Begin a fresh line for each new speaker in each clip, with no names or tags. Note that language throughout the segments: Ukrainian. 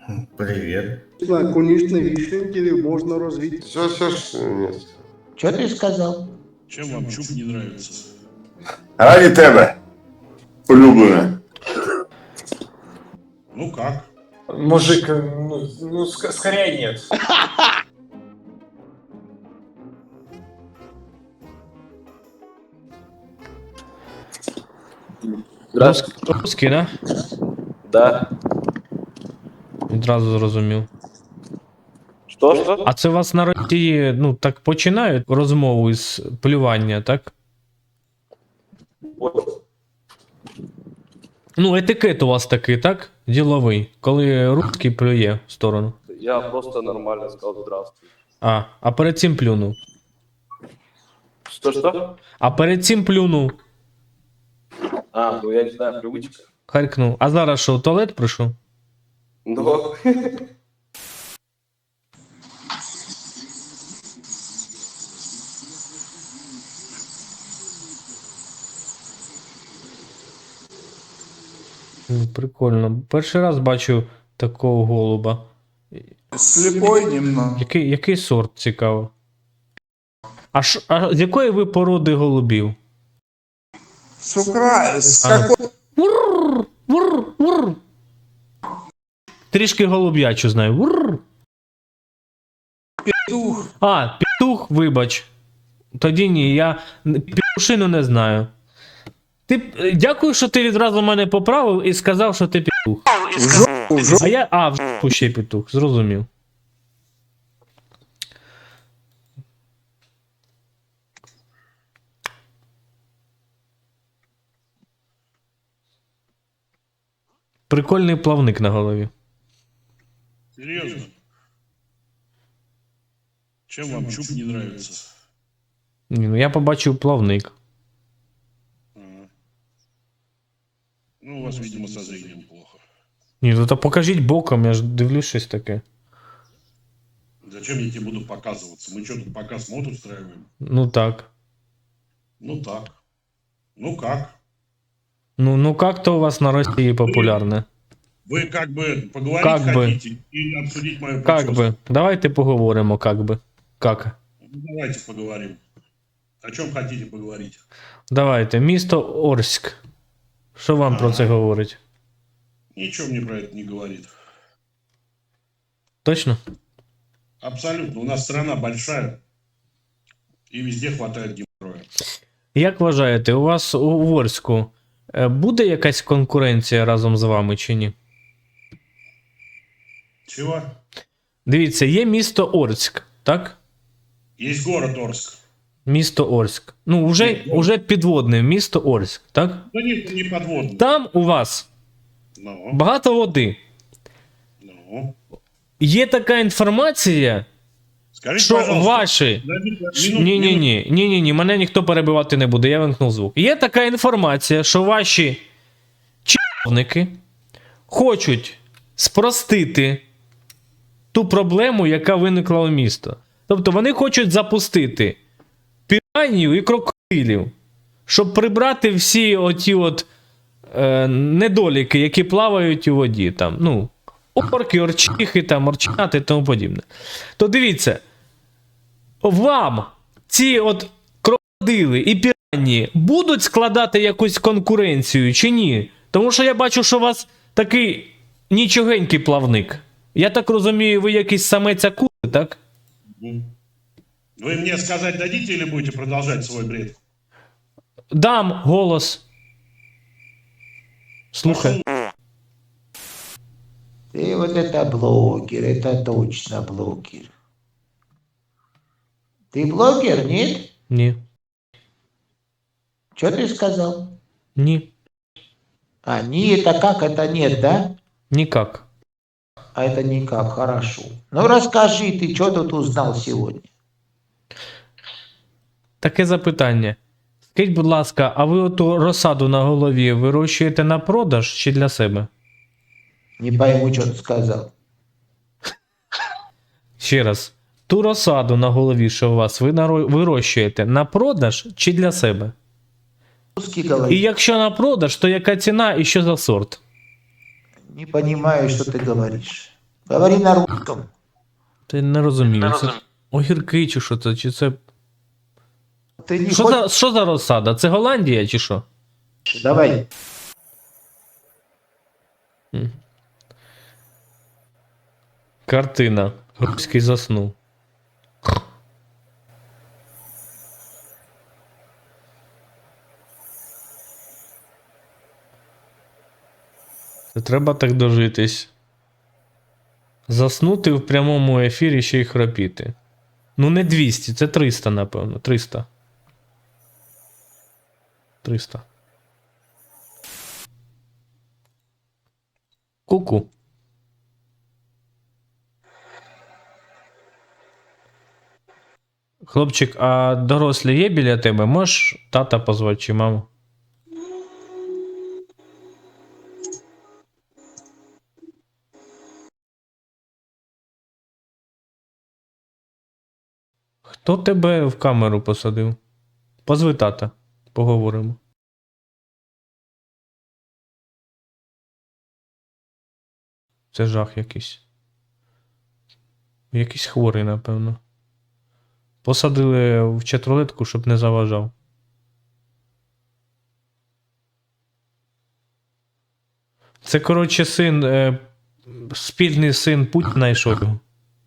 Привет.
Конечно, вишенки можно развить.
Все, нет.
Что ты сказал?
Чем вам чуб не нравится?
Ради тебе, улюблене.
Ну как?
Мужик, скорее нет.
Русський, да?
Да.
Відразу зрозумів.
Что?
А це у вас на Росії, ну, так починають розмову із плювання, так? Ну, етикет у вас такий, так? Діловий. Коли русський плює в сторону.
Я просто нормально сказал здравствуй.
А перед цим плюнув.
Что?
А перед цим плюнув.
Ну я не знаю, привычка.
Харкнув. А зараз що, в туалет прийшов?
Но...
Прикольно. Перший раз бачу такого голуба.
Слепой немного.
Який сорт, цікаво? А з якої ви породи голубів?
С какой?
Вур. Трішки голуб'ячу знаю. Вур.
Петух.
Петух, вибач. Тоді ні, я петушину не знаю. Дякую, що ти відразу мене поправив і сказав, що ти петух. В жопу ще петух, зрозумів. Прикольний плавник на голові.
Серьезно? Чем вам чуб не нравится?
Ні, ну я побачив плавник.
Ну, у вас, видимо, со зрением плохо.
Ні, ну то покажіть боком, я ж дивлюсь щось таке.
Зачем я тебе буду показываться? Мы что, тут показ мод устраиваем?
Ну так.
Ну так. Ну как?
Ну как-то у вас на Росії популярне.
Вы как бы поговорить
Как бы.
хотите и обсудить мою
Как
прическу?
би. Давайте поговоримо, как би. Как?
Ну, давайте поговорим. О чем хотите поговорить?
Давайте. Місто Орськ. Що вам про це говорить?
Ничего мне про это не говорит.
Точно?
Абсолютно. У нас страна большая. И везде хватает геморроя.
Як вважаєте, у вас у Орську буде якась конкуренція разом з вами чи ні?
Чего?
Дивіться, є місто Орськ, так?
Есть город Орск.
Місто Орськ. Ну, уже підводне місто Орськ, так?
Да нет, не подводный.
Там у вас
Ну,
багато води.
ну.
Є така інформація,
Скажите,
що
пожалуйста.
ваші...
Минуту.
Ні, мене ніхто перебивати не буде, я вимкнув звук. Є така інформація, що ваші чиновники хочуть спростити ту проблему, яка виникла у місто. Тобто вони хочуть запустити піранію і крокодилів, щоб прибрати всі оті недоліки, які плавають у воді. Там, ну, орки, орчихи, там, орчати і тому подібне. То дивіться, вам ці крокодили і піранії будуть складати якусь конкуренцію чи ні? Тому що я бачу, що у вас такий нічогенький плавник. Я так розумію, ви якийсь самець акули, так?
Вы мне сказать дадите или будете продолжать свой бред?
Дам голос. Слухай.
Ты вот это блогер, это точно блогер. Ты блогер, нет?
Ні.
Что ты сказал?
Ні.
Не, это как, это нет, да?
Нікак.
А это никак, хорошо. Ну расскажи, ты что тут узнал сегодня?
Таке запитання. Скажіть, будь ласка, а ви оту розсаду на голові вирощуєте на продаж чи для себе?
Не пойму, что ты сказал.
Ще раз. Ту розсаду на голові, що у вас, ви вирощуєте на продаж чи для себе?
Русский
І
говорит.
якщо на продаж, то яка ціна і що за сорт?
Не понимаю, что ты говоришь. Говори на русском.
Ти не розумію. Це огірки чи що це? Чи це.
Ты не
Що
хочешь?
за, що за розсада? Це Голландія чи що?
Давай.
Картина. Руський заснув. Це треба так дожитись. Заснути в прямому ефірі ще й храпіти. Ну, не 200, це 300, напевно. 300. 300. Ку-ку. Хлопчик, а дорослі є біля тебе? Можеш тата позвати чи маму? Хто тебе в камеру посадив? Позви тата. Поговоримо. Це жах якийсь. Якийсь хворий, напевно. Посадили в чатрулетку, щоб не заважав. Це, коротше, син, спільний син Путіна і Шойгу.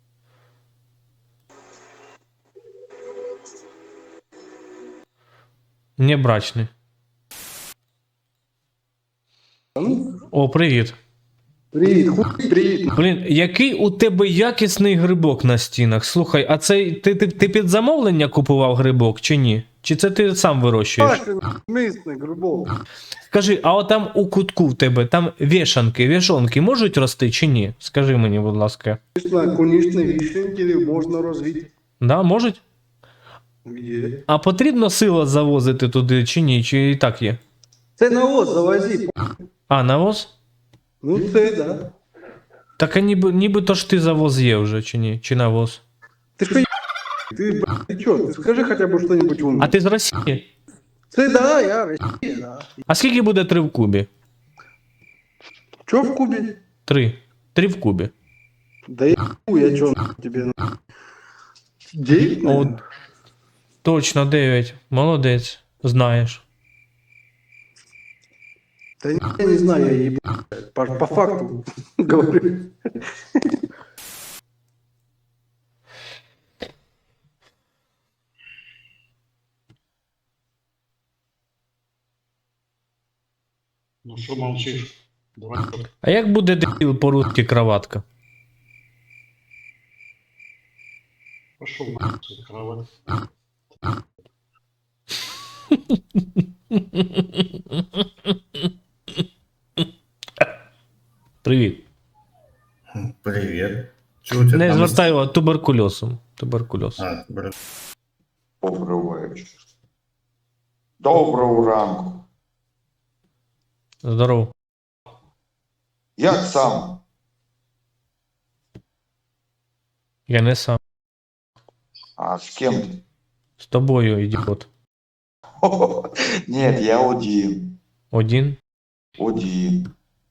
Не брачний. О, привіт.
Привіт, хуй, привіт.
Блін, який у тебе якісний грибок на стінах. Слухай, а це ти під замовлення купував грибок чи ні? Чи це ти сам вирощуєш?
Мисний грибок.
Скажи, а от там у кутку в тебе, там вішонки можуть рости чи ні? Скажи мені, будь ласка.
Конечно, вишеньки можна розвити.
Да, можуть?
Є.
А потрібно сила завозити туди чи ні? Чи і так є?
Це навоз завози.
А, навоз?
Ну це, да.
Так а нібито ж ти завоз є вже, чи ні? Чи навоз?
Ти що, ти, ти чо? Ти скажи хоча б що-нибудь умне.
А ти з Росії?
Це, да, я Росія, да.
А скільки буде 3 в кубі?
Чо в Кубі?
3. 3 в кубі.
Да я чо тебе, ну. 9,
О, точно, 9. Молодець. Знаєш.
Да я не знаю, я ебу. По факту говорю.
Ну что молчишь? Давай.
А як буде дебіл по-русски кроватка?
Пошел на кровать.
Привіт.
Привіт. Чого у тебе
Не
там?
звертай його туберкульозом. Туберкульоз.
А, добре. Добрий вечір. Доброго ранку.
Здорово.
Як сам?
Я не сам.
А з ким ти?
З тобою, ідіот.
Ні, я один.
Один?
Один.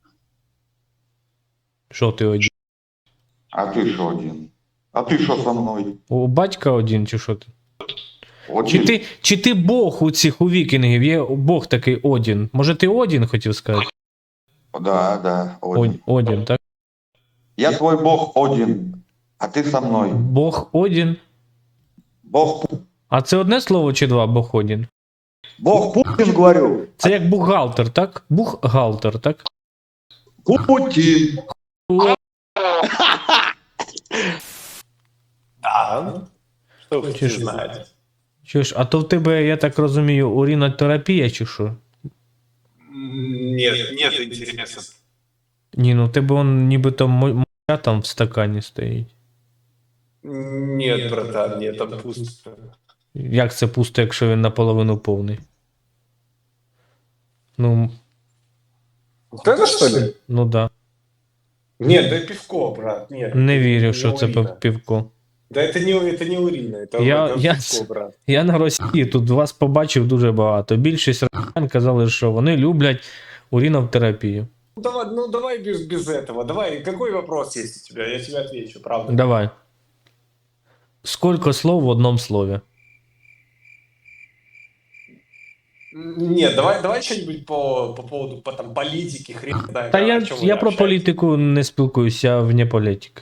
Що ти один?
А ти що один? А ти що со мною?
У батька один, чи що ти?
Один.
Чи ти Бог у цих у вікінгів? Є Бог такий Одін. Може ти Одін хотів сказати?
Да, один.
Одін, так?
Я твой Бог один. А ти со мною.
Бог Одін.
Бог,
А це одне слово чи два Бог Одін?
Бог Путін, говорю.
Це як бухгалтер, так? Бухгалтер, так?
Путін.
Что вы
Чё ж-
знаете?
Що ж, а то в тебе, я так розумію, урінотерапія чи що?
Нет интереса.
Ні, ну в тебе он нібито моча там в стакані стоїть.
Нет, братан, нет, там пусто.
Як це пусто, якщо він наполовину повний? Ну,
Вот это что ли?
ну да.
Нет, да пивко, брат, нет.
Не
это
вірю,
не
що це
урина.
пивко.
Да это не урина, это,
Я-
это
я-
пивко, брат.
Я на Росії тут вас побачив дуже багато. Більшість росіян казали, що вони люблять урінотерапію.
Ну давай без этого. Давай, какой вопрос есть у тебя? Я тебе отвечу, правда.
Давай. Сколько слов в одном слове?
Нет, давай что-нибудь по поводу там, политики, хрен знает.
Та
о
я,
чём вы
я про
общаетесь.
політику не спілкуюся, я вне політики.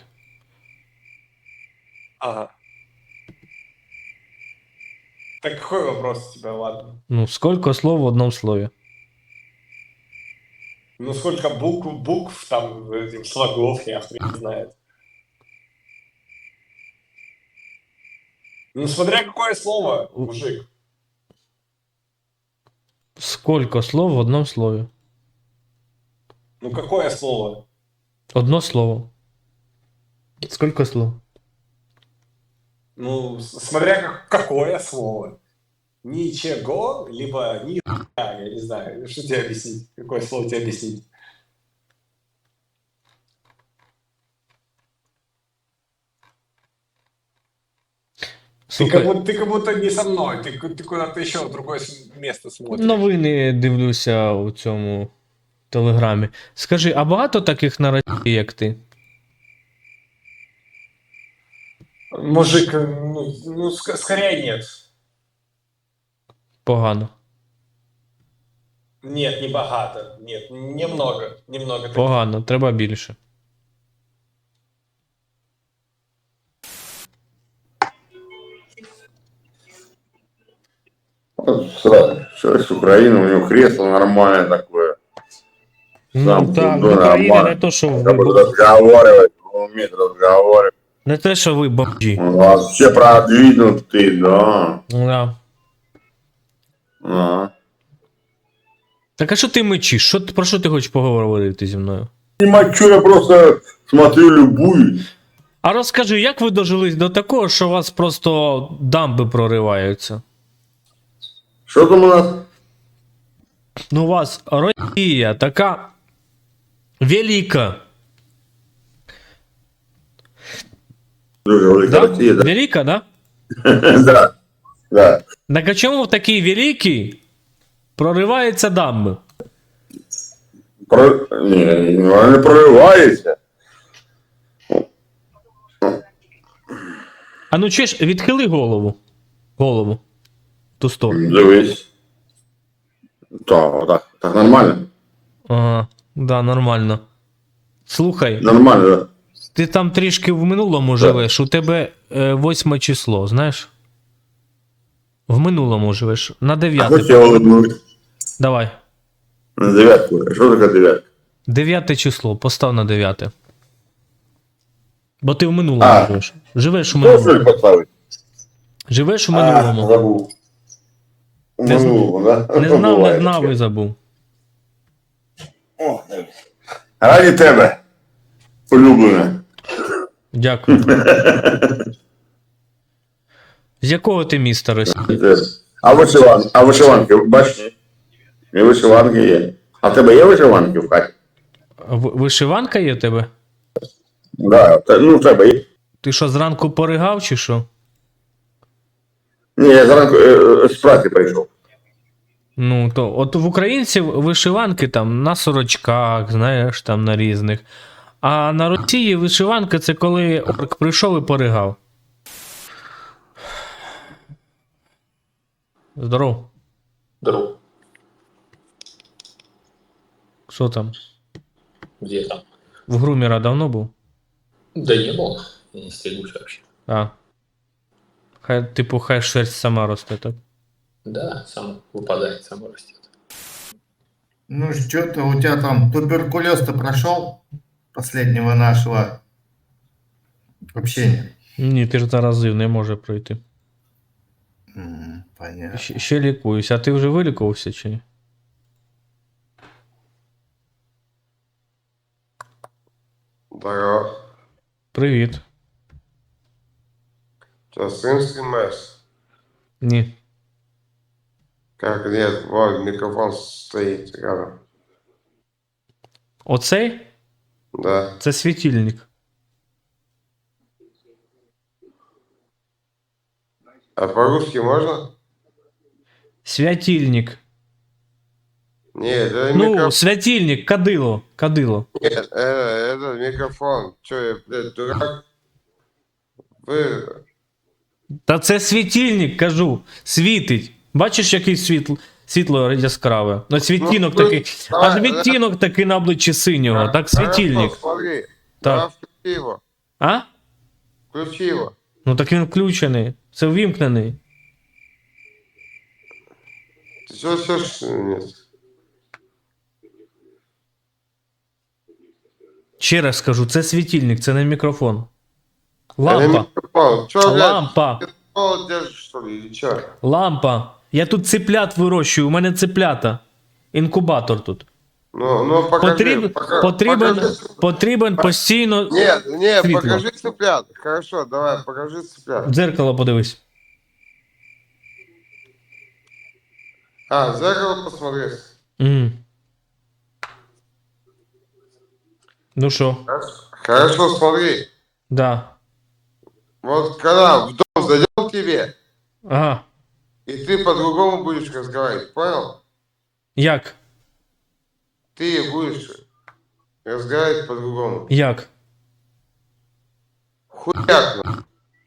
Ага. Так какой вопрос у тебя, ладно?
Ну, сколько слов в одном слове?
Ну сколько букв там, этих слогов, я хрен знает. Ну смотря какое слово, мужик.
Сколько слов в одном слове?
Ну какое слово?
Одно слово. Сколько слов?
Ну, смотря какое слово. Ничего, либо ни хуя, я не знаю. Что тебе объяснить? Какое слово тебе объяснить?
Слухай,
Ты как будто не со мной, ты куда-то еще в другое место смотришь.
новини дивлюся у цьому телеграмі. Скажи, а багато таких на Росії, як ти?
Мужик, скорее нет.
Погано.
Нет, не богато. Нет, немного. Немного. таких.
Погано, треба більше.
С Украины, у него кресло нормальное такое.
Ну
Сам
так, в
ну,
Україні
нормально.
не то, що ви,
Как бы разговаривать, он умеет разговаривать.
не те, що ви бомжі.
Он вообще продвинутый, да.
Да.
А.
Так а що ти мечиш? Про що ти хочеш поговорити зі мною?
Не мочу, я просто смотрю, любуюсь.
А розкажи, як ви дожились до такого, що у вас просто дамби прориваються?
Что там у нас?
Ну, у вас Росія така велика.
Друга, Великая
Да?
Россия, да?
Велика, да?
Да, да.
Так а чому в такій великій прориваються дамби?
Вона не проривається.
А ну чеш, відхили голову. Голову. В ту сторону.
Дивись. Так нормально.
Ага, да, нормально. Слухай,
Нормально, да.
ти там трішки в минулому живеш, у тебе 8 число, знаєш? В минулому живеш, на
А
9.
хоч я улыбнусь.
Давай.
На девятку. Що таке дев'ятка?
9 число, постав на 9. Бо ти в минулому
А.
живеш. Живеш у
Що
минулому.
ж поставити?
Живеш у минулому.
Забув.
Не зна-
Минулому, да?
Не знав, не
Буває
знав
таке.
і забув.
О, дивись. Раді тебе, улюблене.
Дякую. З якого ти міста Росії?
А вишиванки, бачиш? І вишиванки є. А в тебе є вишиванки в хаті?
Вишиванка є в тебе?
Да, ну в тебе є.
Ти що, зранку поригав чи що?
Ні, я зранку з праці прийшов.
Ну, то от в українців вишиванки там на сорочках, знаєш, там на різних. А на Росії вишиванка це коли орк прийшов і поригав. Здоров.
Друг,
Що там?
где там?
В Грумера давно був?
Да не был, я не стригусь вообще.
А. Хай шерсть сама росте, так?
Да, сам выпадает, сам растет.
Ну что-то у тебя там туберкулез-то прошел последнего нашего общения?
Ні, ти ж заразив, не може пройти.
Понятно.
Ще лікуюсь, а ти вже вилікувався чи ні?
Здорово.
Привіт.
Что, сын стримаешь?
Ні.
Как нет, вот микрофон стоит рядом.
Оцей?
Да.
Це світильник.
А по-русски можно?
Святильник.
Нет, это
Ну,
микрофон.
святильник, кадило, кадило.
Нет, это микрофон. Че, я, блядь, дурак? Вы...
Та це світильник, кажу, світить. Бачиш, який світло яскраве? Ну, світінок
Ну,
такий,
давай,
аж відтінок такий на обличчі синього, так світильник.
Хорошо, смотри.
Так.
Да, включи его.
А?
Включи его.
Ну так він включений, це ввімкнений.
Ты что, нет?
Ще раз скажу, це світильник, це не мікрофон.
Это
Лампа,
микрофон. Че, блядь,
лампа,
телефон держишь, что ли, или че?
лампа. Я тут цеплят вирощую, у мене цеплята. Інкубатор тут.
Ну, покажи.
Потрібен постійно.
Нет,
Светло.
покажи цыплят. Хорошо, давай, покажи цыплят.
В дзеркало подивись.
А, в зеркало посмотри.
Мгм. Ну що?
Хорошо, смотри.
Да.
Вот когда в дом зайдем к тебе,
Ага.
и ты по-другому будешь разговаривать, понял?
Як?
Ты будешь разговаривать по-другому.
Як?
Хуяк, нахуй.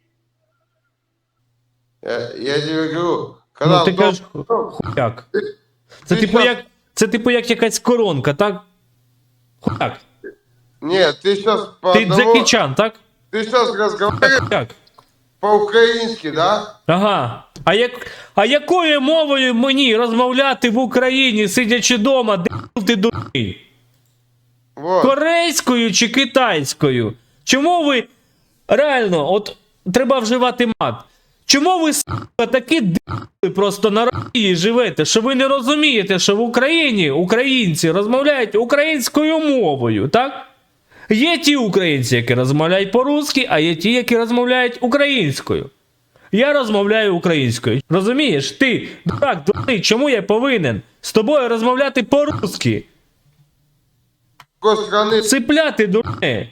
Я тебе говорю, когда
Ну ти
в дом...
кажеш хуяк. Це
Ти
типу як якась коронка, так? Хуяк.
Нет, ты сейчас по
Ти
одному...
Джекі Чан, так?
Ты сейчас разговариваешь
Як?
по-украински, да?
Ага. А якою мовою мені розмовляти в Україні, сидячи вдома, де ти дурний?
Вот.
Корейською чи китайською? Чому ви реально, от треба вживати мат? Чому ви сука, такі д***ли просто на Росії живете, що ви не розумієте, що в Україні українці розмовляють українською мовою, так? Є ті українці, які розмовляють по-русски, а є ті, які розмовляють українською. Я розмовляю українською. Розумієш? Ти, дурак, дурний, чому я повинен з тобою розмовляти по-русски?
Какой страны
Цепляти, дурне.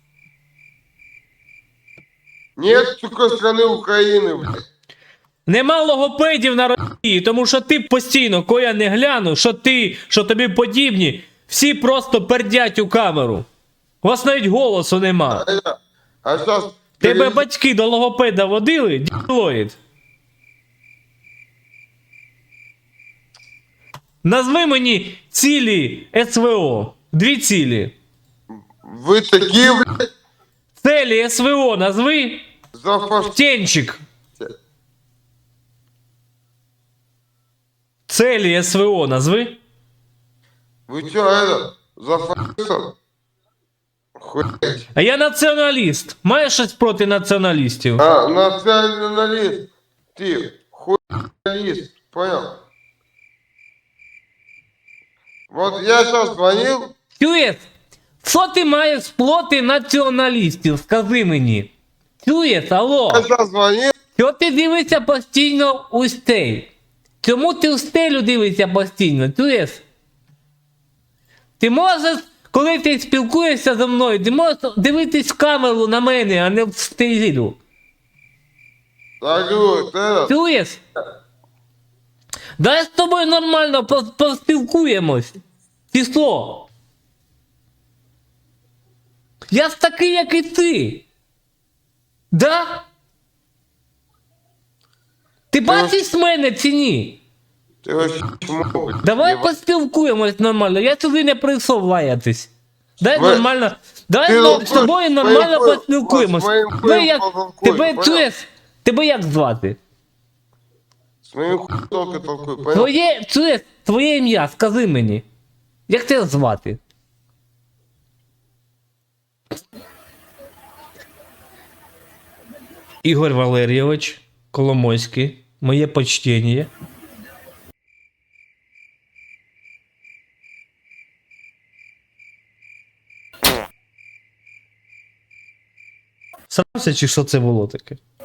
нет такой страны Украины, блядь.
Нема логопедів на Росії, тому що ти постійно, коли я не гляну, що ти, що тобі подібні, всі просто пердять у камеру. У вас навіть голосу нема.
А сейчас...
Тебе батьки до логопеда водили, дідлоїд. Назви мені цілі СВО. 2 цілі.
Вы такие, блядь,
Цілі СВО назви.
зафаш...
Тенчик. Цілі СВО назви.
Вы что, это, зафашистов? Хуять.
А я націоналіст. Маєш щось проти націоналістів?
А, националист. Ты хуялист, понял? Вот я сейчас звонил,
Чуєш? Що ти маєш проти націоналістів? Скажи мені. Чуєш, алло?
я сейчас звонил,
Що ти дивишся постійно у стель? Чому ти у стелю дивишся постійно? Чуєш? Ти можеш, коли ти спілкуєшся зі мною, ти можеш дивитись в камеру на мене, а не в стелю.
так говорю, это,
Чуєш? Дай з тобою нормально поспілкуємось. Чи що? Я ж такий, як і ти. Да? Ти бачиш мене чи ні?
ты вообще чмо, блядь.
Давай поспілкуємось нормально. Я сюди не прийшов лаятись. Дай
Ви-
нормально. Давай
Ти
з тобою нормально поспілкуємось.
З моїм
Тебе як,
толкуй,
тебе
понял?
чуєш? Тебе як звати?
С моим хуем только толкуй, понял?
Чуєш, твоє ім'я, скажи мені. Як тебе звати? Ігор Валерійович Коломойський. Моє почтення. Срався, чи що це було таке?